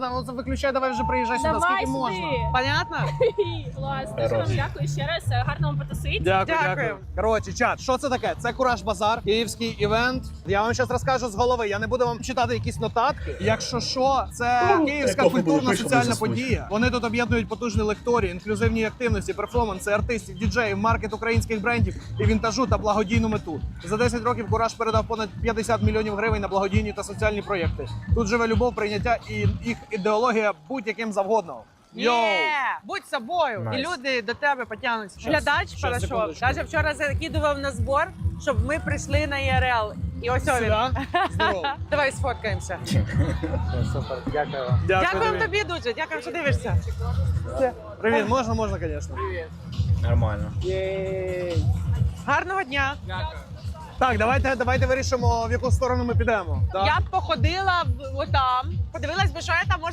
ладно, ну виключай, давай вже приїжджай сюди, Давай скільки сюди. можна. Понятно? Клас. Дуже вам дякую ще раз. Гарно вам потусити. Дякую, Дякую. дякую. Коротше, чат, що це таке? Це Кураж Базар, київський івент. Я вам зараз розкажу з голови. Я не буду вам читати якісь нотатки. Якщо що, це київська культурна соціальна подія. Вони тут об'єднують потужні лекторії, інклюзивні активності, перформанси, артистів, діджеїв, маркет українських брендів і вінтажу та благодійну мету. За 10 років Кураж передав понад 50 мільйонів гривень на благодійні та соціальні проєкти. Тут живе любов, прийняття і їх ідеологія будь-яким завгодно. Йоу! Будь собою, Найс. і люди до тебе потягнуться. Глядач щас, перейшов. секундочку. Навіть вчора закидував на збор, щоб ми прийшли на ЄРЛ. І ось він. Сюди. Здорово. Давай сфоткаємося. Супер, дякую вам. Дякуємо тобі дуже, дякуємо, що дивишся. Привіт, можна, звісно. Нормально. Гарного дня. Так, давайте вирішимо, в яку сторону ми підемо. Так? Я б походила отам, подивилась би, що я там можу